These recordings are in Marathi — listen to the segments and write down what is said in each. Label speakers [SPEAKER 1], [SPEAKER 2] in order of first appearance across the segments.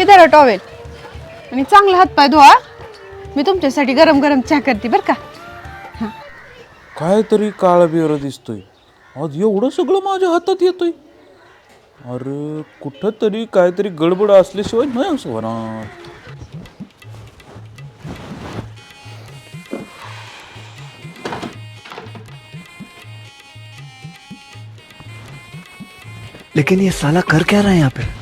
[SPEAKER 1] हे धरा टॉवेल आणि चांगला हातपाय धुवा. मी तुमच्यासाठी गरम गरम चहा करते बरं का.
[SPEAKER 2] काहीतरी काळा बिअर दिसतोय. आज एवढं सगळं माझ्या हातात येतोय. अरे कुठं तरी काहीतरी गडबड असल्याशिवाय नाही असं होणार.
[SPEAKER 3] लेकिन ये साला कर क्या रहा है यहाँ पे?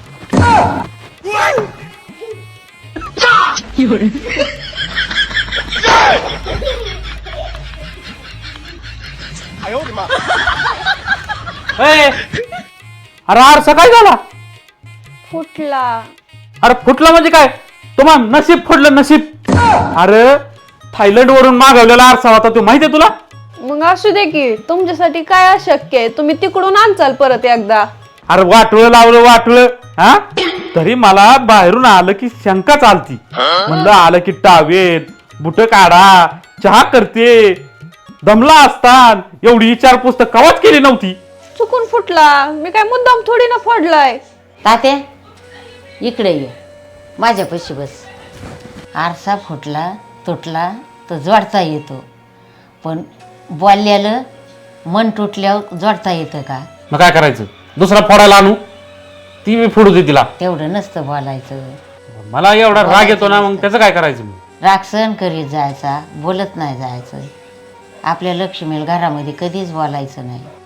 [SPEAKER 4] अरे आरसा काय झाला?
[SPEAKER 1] फुटला.
[SPEAKER 4] अरे फुटला म्हणजे काय? तुम्हाला नशीब फुटलं नशीब. अरे थायलंड वरून मागवलेला आरसा होता तो माहितीये तुला?
[SPEAKER 1] मग असू दे की, तुमच्यासाठी काय अशक्य आहे? तुम्ही तिकडून आणचाल परत एकदा.
[SPEAKER 4] अरे वाटलं लावलं वाटलं हा तरी मला बाहेरून आलं की शंका चालती. म्हणलं आलं की टावेत बुट काढा चहा करते दमला असतान एवढी विचारपूस तर कवाच केली नव्हती.
[SPEAKER 1] चुकून फुटला, मी काय मुद्दाम थोडी ना फोडलाय.
[SPEAKER 5] तात्या इकडे ये, माझ्यापाशी बस. आरसा फुटला तुटला तर जोडता येतो, पण बोलल्यालं मन तुटल्यावर जोडता येतं का?
[SPEAKER 4] मग काय करायचं? दुसरा फोडायला आणू? ती मी फोडू दे तिला.
[SPEAKER 5] तेवढं नसतं बोलायचं.
[SPEAKER 4] मला एवढा राग येतो ना, मग त्याचं काय करायचं? मी
[SPEAKER 5] राग सहन करीत जायचा, बोलत नाही जायचं. आपल्या लक्ष्मीला घरामध्ये कधीच बोलायचं नाही.